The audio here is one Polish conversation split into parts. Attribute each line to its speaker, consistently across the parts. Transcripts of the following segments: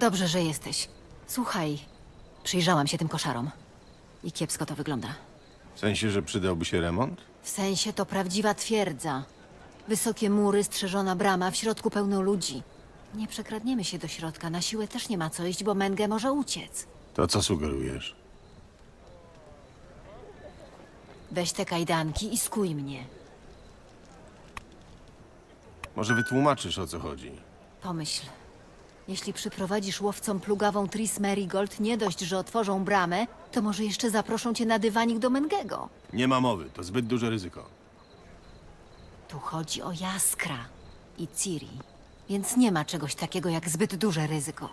Speaker 1: Dobrze, że jesteś. Słuchaj, przyjrzałam się tym koszarom. I kiepsko to wygląda.
Speaker 2: W sensie, że przydałby się remont?
Speaker 1: W sensie to prawdziwa twierdza. Wysokie mury, strzeżona brama, w środku pełno ludzi. Nie przekradniemy się do środka, na siłę też nie ma co iść, bo Menge może uciec.
Speaker 2: To co sugerujesz?
Speaker 1: Weź te kajdanki i skuj mnie.
Speaker 2: Może wytłumaczysz, o co chodzi?
Speaker 1: Pomyśl. Jeśli przyprowadzisz łowcom plugawą Tris Merigold, nie dość, że otworzą bramę, to może jeszcze zaproszą cię na dywanik do Mengego.
Speaker 2: Nie ma mowy, to zbyt duże ryzyko.
Speaker 1: Tu chodzi o Jaskra i Ciri, więc nie ma czegoś takiego jak zbyt duże ryzyko.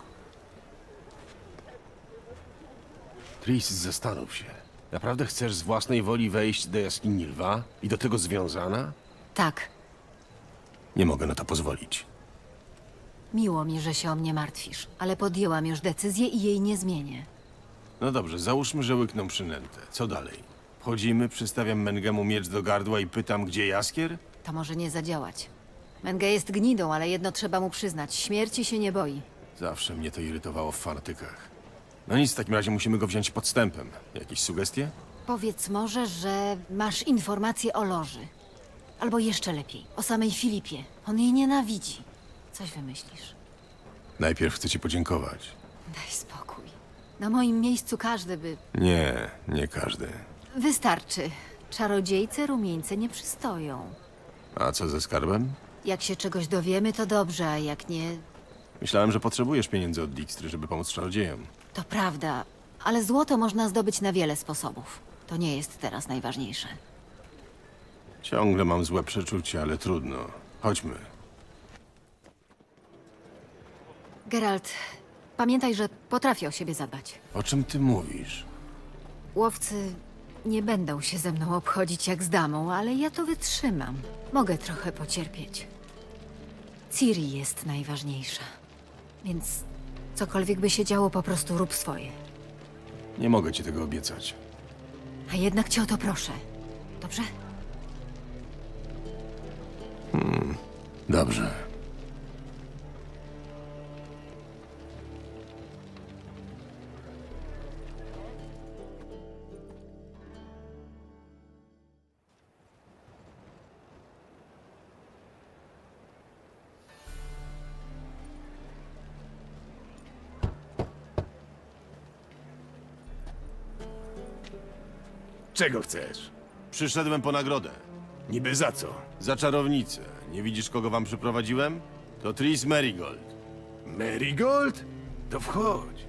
Speaker 2: Tris, zastanów się. Naprawdę chcesz z własnej woli wejść do jaskini lwa? I do tego związana?
Speaker 1: Tak,
Speaker 2: Nie mogę na to pozwolić.
Speaker 1: miło mi, że się o mnie martwisz, ale podjęłam już decyzję i jej nie zmienię.
Speaker 2: No dobrze, załóżmy, że łykną przynętę. Co dalej? Wchodzimy, przystawiam Mengemu miecz do gardła i pytam, gdzie Jaskier?
Speaker 1: To może nie zadziałać. Menge jest gnidą, ale jedno trzeba mu przyznać. Śmierci się nie boi.
Speaker 2: Zawsze mnie to irytowało w fanatykach. No nic, w takim razie musimy go wziąć podstępem. Jakieś sugestie?
Speaker 1: Powiedz może, że masz informacje o Loży. Albo jeszcze lepiej, o samej Filipie. On jej nienawidzi. Coś wymyślisz.
Speaker 2: Najpierw chcę ci podziękować.
Speaker 1: Daj spokój. Na moim miejscu każdy by...
Speaker 2: Nie, nie każdy.
Speaker 1: Wystarczy. Czarodziejce rumieńce nie przystoją.
Speaker 2: A co ze skarbem?
Speaker 1: Jak się czegoś dowiemy, to dobrze, a jak nie,
Speaker 2: Myślałem, że potrzebujesz pieniędzy od Dijkstry, żeby pomóc czarodziejom.
Speaker 1: to prawda. Ale złoto można zdobyć na wiele sposobów. To nie jest teraz najważniejsze.
Speaker 2: Ciągle mam złe przeczucie, ale trudno. Chodźmy.
Speaker 1: Geralt, pamiętaj, że potrafię o siebie zadbać.
Speaker 2: O czym ty mówisz?
Speaker 1: Łowcy nie będą się ze mną obchodzić jak z damą, ale ja to wytrzymam. Mogę trochę pocierpieć. Ciri jest najważniejsza. Więc cokolwiek by się działo, po prostu rób swoje.
Speaker 2: Nie mogę ci tego obiecać.
Speaker 1: A jednak cię o to proszę. Dobrze?
Speaker 2: Dobrze.
Speaker 3: Czego chcesz?
Speaker 2: Przyszedłem po nagrodę.
Speaker 3: Niby za co?
Speaker 2: Za czarownicę. Nie widzisz, kogo wam przyprowadziłem? To Tris Merigold.
Speaker 3: Marigold? To wchodź.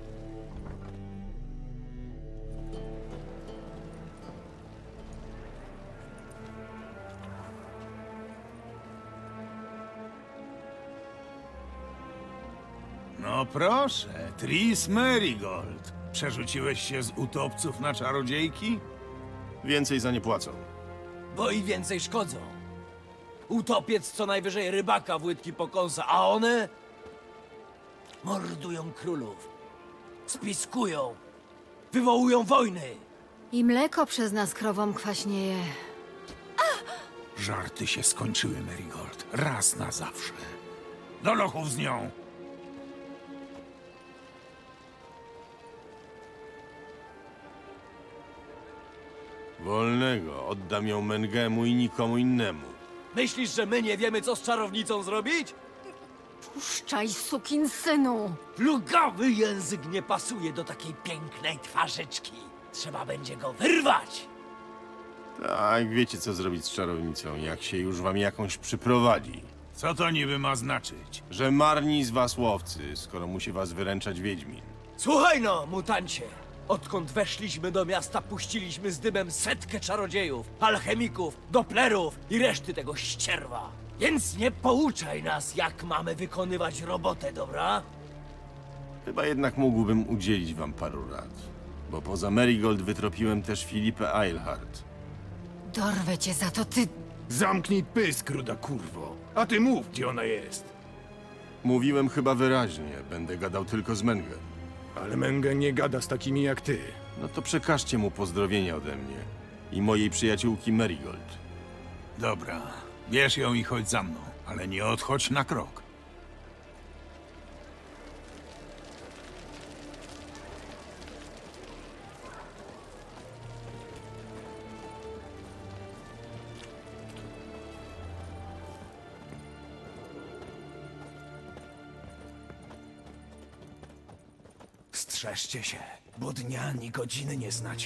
Speaker 4: No proszę, Tris Merigold. Przerzuciłeś się z utopców na czarodziejki?
Speaker 2: Więcej za nie płacą.
Speaker 5: Bo i więcej szkodzą. Utopiec co najwyżej rybaka w łydki pokąsa, a one mordują królów, spiskują, wywołują wojny.
Speaker 1: I mleko przez nas krowom kwaśnieje.
Speaker 4: Żarty się skończyły, Merigold. Raz na zawsze. Do lochów z nią!
Speaker 2: Wolnego. Oddam ją Mengemu i nikomu innemu.
Speaker 5: Myślisz, że my nie wiemy, co z czarownicą zrobić?
Speaker 1: Puszczaj, sukinsynu!
Speaker 5: Plugawy język nie pasuje do takiej pięknej twarzyczki. Trzeba będzie go wyrwać.
Speaker 2: Tak, wiecie co zrobić z czarownicą, jak się już wam jakąś przyprowadzi.
Speaker 4: Co to niby ma znaczyć?
Speaker 2: Że marni z was łowcy, skoro musi was wyręczać Wiedźmin.
Speaker 5: Słuchaj no, mutancie! Odkąd weszliśmy do miasta, puściliśmy z dymem setkę czarodziejów, alchemików, doplerów i reszty tego ścierwa. Więc nie pouczaj nas, jak mamy wykonywać robotę, dobra?
Speaker 2: Chyba jednak mógłbym udzielić wam paru rad. Bo poza Merigold wytropiłem też Filipę Eilhart.
Speaker 1: Dorwę cię za to, ty...
Speaker 3: Zamknij pysk, ruda kurwo. A ty mów, gdzie ona jest.
Speaker 2: Mówiłem chyba wyraźnie, będę gadał tylko z Mengem.
Speaker 3: Ale Menge nie gada z takimi jak ty.
Speaker 2: No to przekażcie mu pozdrowienia ode mnie i mojej przyjaciółki Merigold.
Speaker 4: Dobra, bierz ją i chodź za mną, ale nie odchodź na krok. Strzeżcie się, bo dnia ani godziny nie znacie.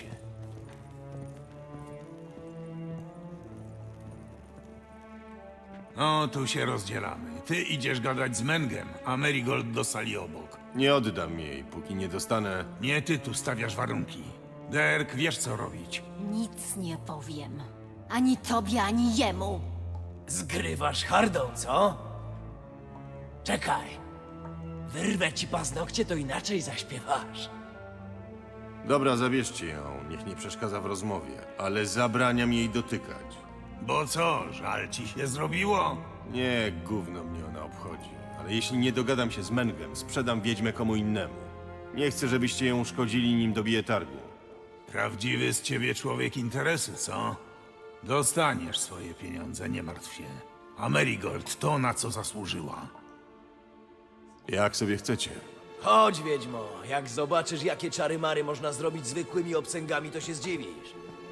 Speaker 4: No, tu się rozdzielamy. Ty idziesz gadać z Mengem, a Marigold do sali obok.
Speaker 2: Nie oddam jej, póki nie dostanę...
Speaker 4: Nie ty tu stawiasz warunki. Derek, wiesz co robić.
Speaker 1: Nic nie powiem. Ani tobie, ani jemu.
Speaker 5: Zgrywasz hardą, co? Czekaj. Wyrwę ci paznokcie, to inaczej zaśpiewasz.
Speaker 2: Dobra, zabierzcie ją, niech nie przeszkadza w rozmowie, ale zabraniam jej dotykać.
Speaker 4: Bo co, żal ci się zrobiło?
Speaker 2: Nie, gówno mnie ona obchodzi, ale jeśli nie dogadam się z Mengem, sprzedam wiedźmę komu innemu. Nie chcę, żebyście ją uszkodzili, nim dobiję targu.
Speaker 4: Prawdziwy z ciebie człowiek interesu, co? Dostaniesz swoje pieniądze, nie martw się. A Marigold to, na co zasłużyła.
Speaker 2: Jak sobie chcecie.
Speaker 5: Chodź, wiedźmo. Jak zobaczysz, jakie czary-mary można zrobić zwykłymi obcęgami, to się zdziwisz.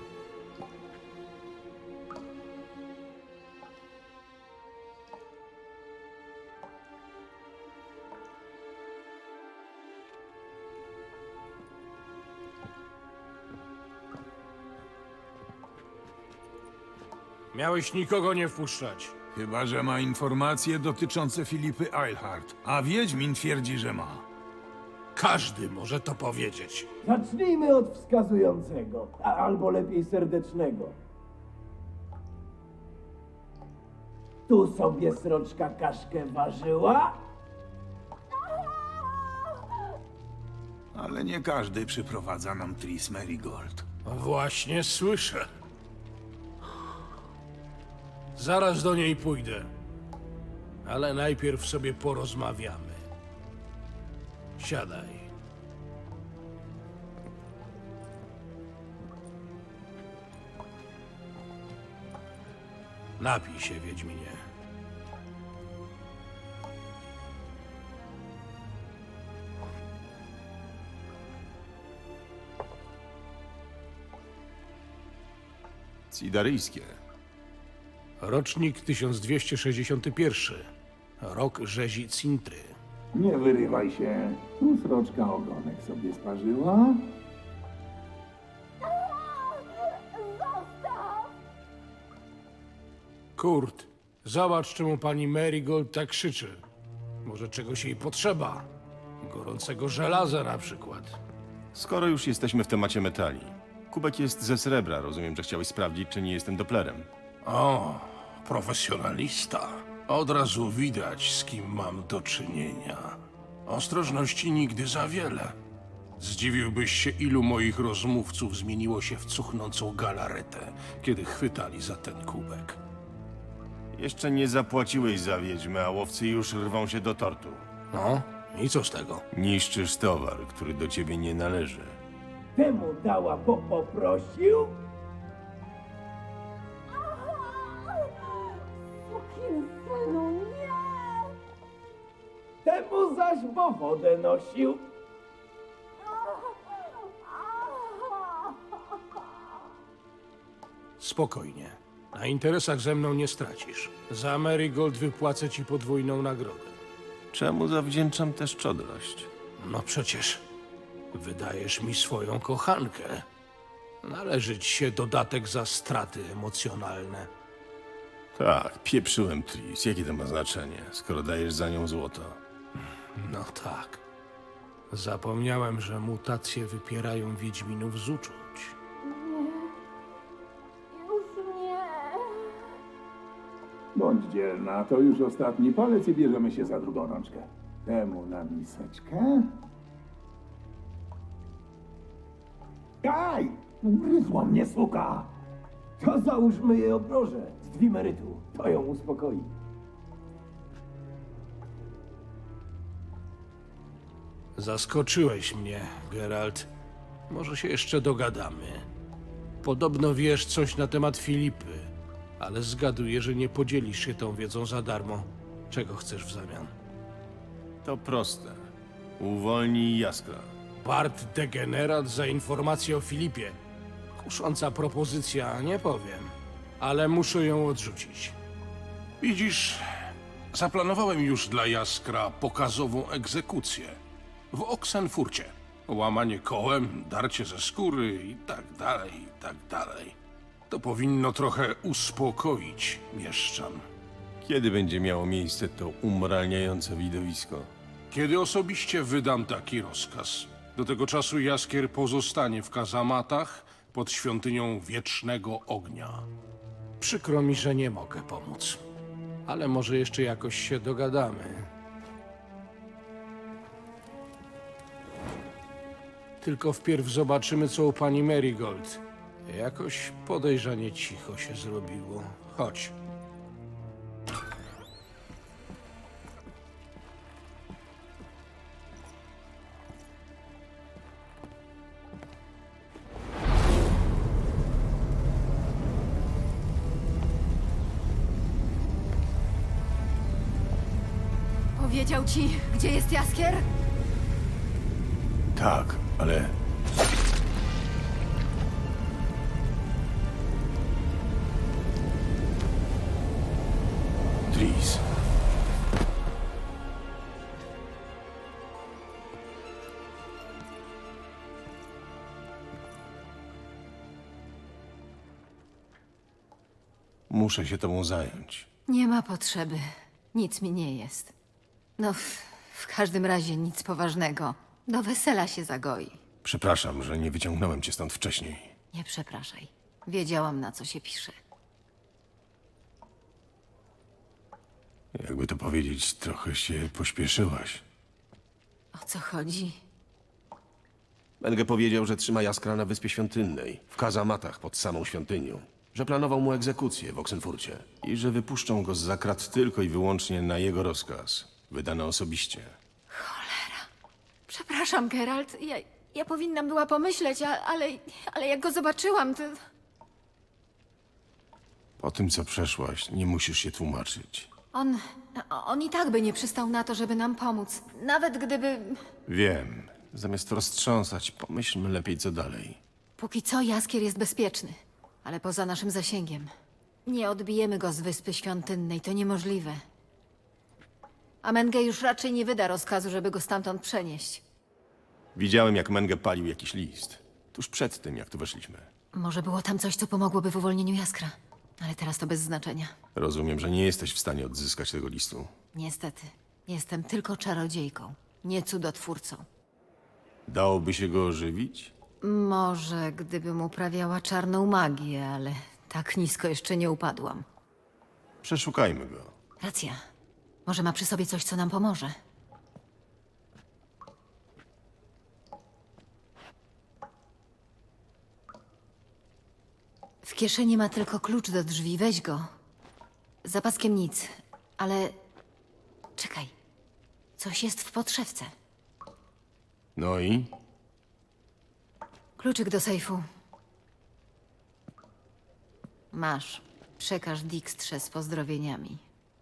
Speaker 3: Miałeś nikogo nie wpuszczać.
Speaker 4: Chyba że ma informacje dotyczące Filipy Eilhart, a Wiedźmin twierdzi, że ma.
Speaker 3: Każdy może to powiedzieć.
Speaker 5: Zacznijmy od wskazującego, albo lepiej serdecznego. Tu sobie sroczka kaszkę ważyła?
Speaker 4: Ale nie każdy przyprowadza nam Tris Marigold.
Speaker 3: Właśnie słyszę. Zaraz do niej pójdę. Ale najpierw sobie porozmawiamy. Siadaj. Napij się, Wiedźminie.
Speaker 2: Cidaryjskie.
Speaker 3: Rocznik 1261. Rok rzezi Cintry.
Speaker 6: Nie wyrywaj się. Tu sroczka ogonek sobie sparzyła.
Speaker 3: Kurt, zobacz, czemu pani Marigold tak krzyczy. Może czegoś jej potrzeba. Gorącego żelaza na przykład.
Speaker 2: Skoro już jesteśmy w temacie metali. Kubek jest ze srebra, rozumiem, że chciałeś sprawdzić, czy nie jestem doplerem.
Speaker 7: O, profesjonalista. Od razu widać, z kim mam do czynienia. Ostrożności nigdy za wiele. Zdziwiłbyś się, ilu moich rozmówców zmieniło się w cuchnącą galaretę, kiedy chwytali za ten kubek.
Speaker 2: Jeszcze nie zapłaciłeś za wiedźmę, a łowcy już rwą się do tortu.
Speaker 3: No, i co z tego?
Speaker 2: Niszczysz towar, który do ciebie nie należy.
Speaker 5: Temu dała, bo poprosił?
Speaker 8: Sukinsynu, nie!
Speaker 5: Temu zaś, bo wodę nosił.
Speaker 3: Spokojnie. Na interesach ze mną nie stracisz. Za Marigold wypłacę ci podwójną nagrodę.
Speaker 2: Czemu zawdzięczam tę szczodrość?
Speaker 3: No przecież wydajesz mi swoją kochankę. Należy ci się dodatek za straty emocjonalne.
Speaker 2: Tak, pieprzyłem Tris. Jakie to ma znaczenie, skoro dajesz za nią złoto?
Speaker 3: No tak. Zapomniałem, że mutacje wypierają wiedźminów z uczuć.
Speaker 8: Już nie!
Speaker 6: Bądź dzielna, to już ostatni palec i bierzemy się za drugą rączkę. Temu na miseczkę. Aj! Ugryzła mnie suka!
Speaker 5: To załóżmy jej obroże z dwimerytu. To ją uspokoi.
Speaker 3: Zaskoczyłeś mnie, Geralt. Może się jeszcze dogadamy. Podobno wiesz coś na temat Filipy, ale zgaduję, że nie podzielisz się tą wiedzą za darmo. Czego chcesz w zamian?
Speaker 2: To proste. Uwolnij Jaskra.
Speaker 3: Bart degenerat za informację o Filipie. Kusząca propozycja, nie powiem, ale muszę ją odrzucić.
Speaker 7: Widzisz, zaplanowałem już dla Jaskra pokazową egzekucję w Oxenfurcie. Łamanie kołem, darcie ze skóry i tak dalej, i tak dalej. To powinno trochę uspokoić mieszczan.
Speaker 2: Kiedy będzie miało miejsce to umralniające widowisko?
Speaker 7: Kiedy osobiście wydam taki rozkaz. Do tego czasu Jaskier pozostanie w kazamatach pod świątynią Wiecznego Ognia.
Speaker 3: Przykro mi, że nie mogę pomóc. Ale może jeszcze jakoś się dogadamy. Tylko wpierw zobaczymy, co u pani Marigold. Jakoś podejrzanie cicho się zrobiło. Chodź.
Speaker 1: Powiedział ci, gdzie jest Jaskier?
Speaker 2: Tak, ale... Tris. Muszę się tobą zająć.
Speaker 1: Nie ma potrzeby. Nic mi nie jest. No, w każdym razie nic poważnego. Do wesela się zagoi.
Speaker 2: Przepraszam, że nie wyciągnąłem cię stąd wcześniej.
Speaker 1: Nie przepraszaj. Wiedziałam, na co się pisze.
Speaker 2: Jakby to powiedzieć, trochę się pośpieszyłaś.
Speaker 1: O co chodzi?
Speaker 2: Menge powiedział, że trzyma Jaskra na Wyspie Świątynnej, w kazamatach pod samą świątynią. Że planował mu egzekucję w Oxenfurcie i że wypuszczą go z krat tylko i wyłącznie na jego rozkaz, wydany osobiście.
Speaker 1: Przepraszam, Geralt. Ja powinnam była pomyśleć, ale jak go zobaczyłam, to...
Speaker 2: Po tym, co przeszłaś, nie musisz się tłumaczyć.
Speaker 1: On i tak by nie przystał na to, żeby nam pomóc. Nawet gdyby...
Speaker 2: Wiem. Zamiast roztrząsać, pomyślmy lepiej, co dalej.
Speaker 1: Póki co Jaskier jest bezpieczny, ale poza naszym zasięgiem. Nie odbijemy go z Wyspy Świątynnej, to niemożliwe. A Menge już raczej nie wyda rozkazu, żeby go stamtąd przenieść.
Speaker 2: Widziałem, jak Menge palił jakiś list. Tuż przed tym, jak tu weszliśmy.
Speaker 1: Może było tam coś, co pomogłoby w uwolnieniu Jaskra. Ale teraz to bez znaczenia.
Speaker 2: Rozumiem, że nie jesteś w stanie odzyskać tego listu.
Speaker 1: Niestety, jestem tylko czarodziejką, nie cudotwórcą.
Speaker 2: Dałoby się go ożywić?
Speaker 1: Może gdybym uprawiała czarną magię, ale tak nisko jeszcze nie upadłam.
Speaker 2: Przeszukajmy go.
Speaker 1: Racja. Może ma przy sobie coś, co nam pomoże. W kieszeni ma tylko klucz do drzwi. Weź go. Za paskiem nic, ale... Czekaj. Coś jest w podszewce.
Speaker 2: No i?
Speaker 1: Kluczyk do sejfu. Masz. Przekaż Dijkstrze z pozdrowieniami.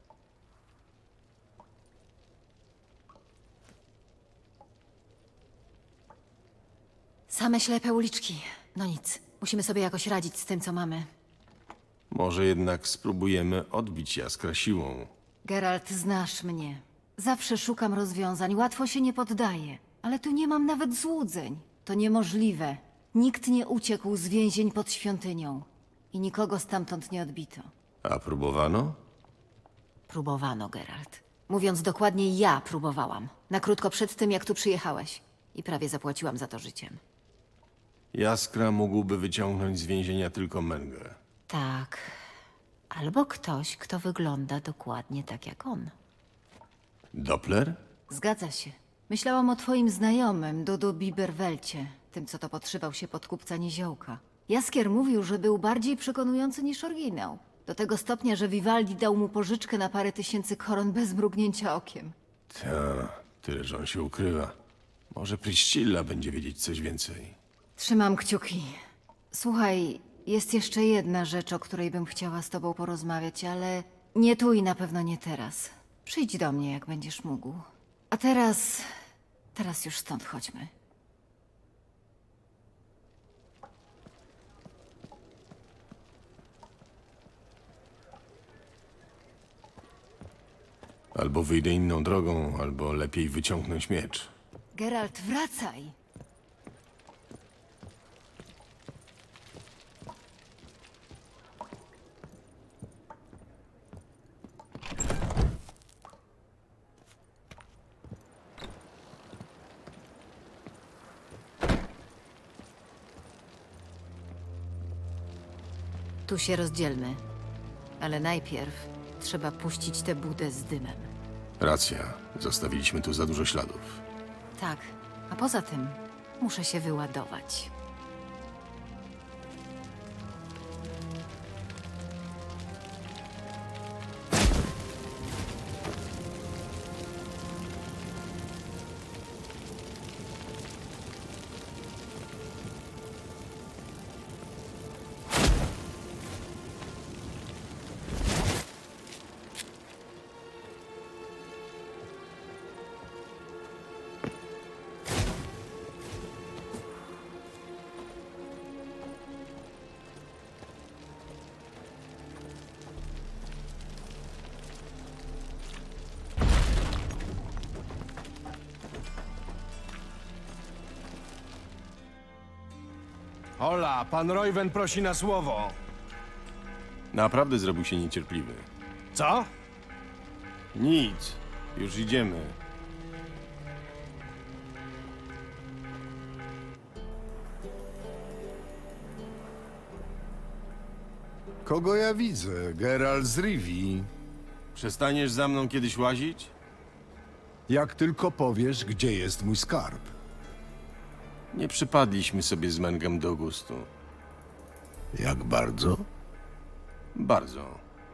Speaker 1: Same ślepe uliczki. No nic. Musimy sobie jakoś radzić z tym, co mamy.
Speaker 2: Może jednak spróbujemy odbić Jaskra siłą.
Speaker 1: Geralt, znasz mnie. Zawsze szukam rozwiązań. Łatwo się nie poddaję. Ale tu nie mam nawet złudzeń. To niemożliwe. Nikt nie uciekł z więzień pod świątynią. I nikogo stamtąd nie odbito.
Speaker 2: A próbowano?
Speaker 1: Próbowano, Geralt. Mówiąc dokładnie, ja próbowałam. Na krótko przed tym, jak tu przyjechałeś. I prawie zapłaciłam za to życiem.
Speaker 2: Jaskra mógłby wyciągnąć z więzienia tylko Mengę.
Speaker 1: Tak. Albo ktoś, kto wygląda dokładnie tak jak on.
Speaker 2: Doppler?
Speaker 1: Zgadza się. Myślałam o twoim znajomym, Dudu Biberwelcie. Tym, co to podszywał się pod kupca Niziołka. Jaskier mówił, że był bardziej przekonujący niż oryginał. Do tego stopnia, że Vivaldi dał mu pożyczkę na parę tysięcy koron bez mrugnięcia okiem.
Speaker 2: Ta, tyle, że on się ukrywa. Może Priscilla będzie wiedzieć coś więcej.
Speaker 1: Trzymam kciuki. Słuchaj, jest jeszcze jedna rzecz, o której bym chciała z tobą porozmawiać, ale nie tu i na pewno nie teraz. Przyjdź do mnie, jak będziesz mógł. A teraz już stąd chodźmy.
Speaker 2: Albo wyjdę inną drogą, albo lepiej wyciągnąć miecz.
Speaker 1: Geralt, wracaj! Tu się rozdzielmy. Ale najpierw trzeba puścić tę budę z dymem.
Speaker 2: Racja. Zostawiliśmy tu za dużo śladów.
Speaker 1: Tak, a poza tym muszę się wyładować.
Speaker 9: Hola, pan Royven prosi na słowo.
Speaker 2: Naprawdę zrobił się niecierpliwy.
Speaker 9: Co?
Speaker 2: Nic. Już idziemy.
Speaker 10: Kogo ja widzę? Geralt z Rivii.
Speaker 2: Przestaniesz za mną kiedyś łazić?
Speaker 10: Jak tylko powiesz, gdzie jest mój skarb.
Speaker 2: Nie przypadliśmy sobie z Mengem do gustu.
Speaker 10: Jak bardzo?
Speaker 2: Bardzo.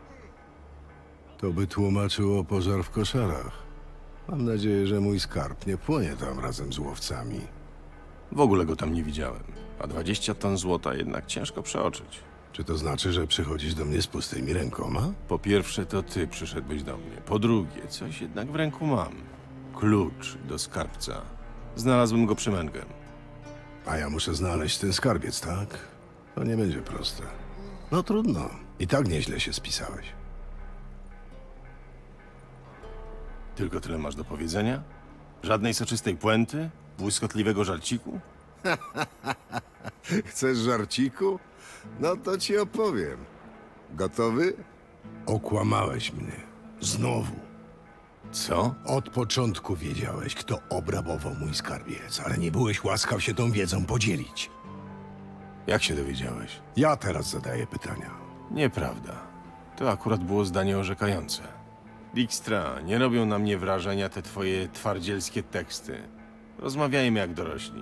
Speaker 10: To by tłumaczyło pożar w koszarach. Mam nadzieję, że mój skarb nie płonie tam razem z łowcami.
Speaker 2: W ogóle go tam nie widziałem. A 20 ton złota jednak ciężko przeoczyć.
Speaker 10: Czy to znaczy, że przychodzisz do mnie z pustymi rękoma?
Speaker 2: Po pierwsze, to ty przyszedłeś do mnie. Po drugie, coś jednak w ręku mam. Klucz do skarbca. Znalazłem go przy Mengem.
Speaker 10: A ja muszę znaleźć ten skarbiec, tak? To nie będzie proste. No trudno. I tak nieźle się spisałeś.
Speaker 2: Tylko tyle masz do powiedzenia? Żadnej soczystej puenty? Błyskotliwego żarciku?
Speaker 10: Chcesz żarciku? No to ci opowiem. Gotowy? Okłamałeś mnie. Znowu.
Speaker 2: Co?
Speaker 10: Od początku wiedziałeś, kto obrabował mój skarbiec, ale nie byłeś łaskaw się tą wiedzą podzielić.
Speaker 2: Jak się dowiedziałeś?
Speaker 10: Ja teraz zadaję pytania.
Speaker 2: Nieprawda. To akurat było zdanie orzekające. Dijkstra, nie robią na mnie wrażenia te twoje twardzielskie teksty. Rozmawiajmy jak dorośli.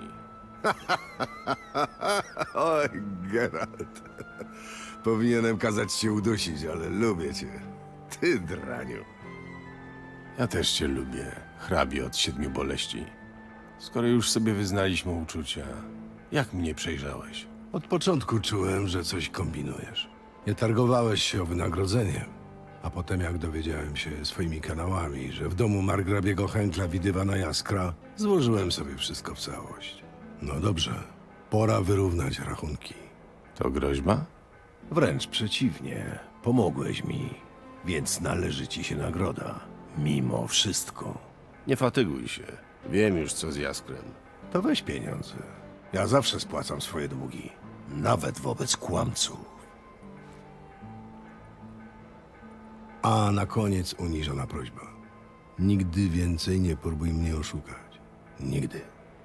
Speaker 10: Oj, Geralt. Powinienem kazać cię udusić, ale lubię cię. Ty, draniu.
Speaker 2: Ja też cię lubię, hrabie od 7 boleści. Skoro już sobie wyznaliśmy uczucia, jak mnie przejrzałeś?
Speaker 10: Od początku czułem, że coś kombinujesz. Nie targowałeś się o wynagrodzenie. A potem, jak dowiedziałem się swoimi kanałami, że w domu margrabiego Henkla widywana jaskra, złożyłem sobie wszystko w całość. No dobrze, pora wyrównać rachunki.
Speaker 2: To groźba?
Speaker 9: Wręcz przeciwnie. Pomogłeś mi, więc należy ci się nagroda. Mimo wszystko.
Speaker 2: Nie fatyguj się. Wiem już co z Jaskrem.
Speaker 10: To weź pieniądze. Ja zawsze spłacam swoje długi.
Speaker 9: Nawet wobec kłamców.
Speaker 10: A na koniec uniżona prośba. Nigdy więcej nie próbuj mnie oszukać. Nigdy.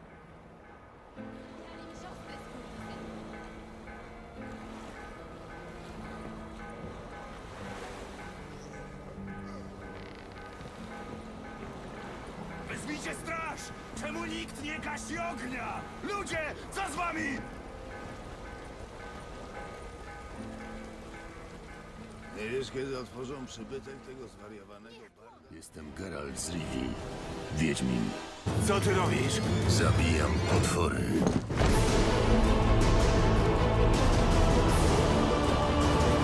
Speaker 9: Wezwijcie straż! Czemu nikt nie gasi ognia? Ludzie, co z wami?
Speaker 10: Nie wiesz, kiedy otworzą przybytek tego zwariowanego barda?
Speaker 7: Jestem Geralt z Rivii, Wiedźmin.
Speaker 9: Co ty robisz?
Speaker 7: Zabijam potwory.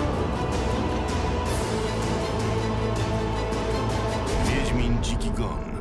Speaker 2: Wiedźmin Dziki Gon.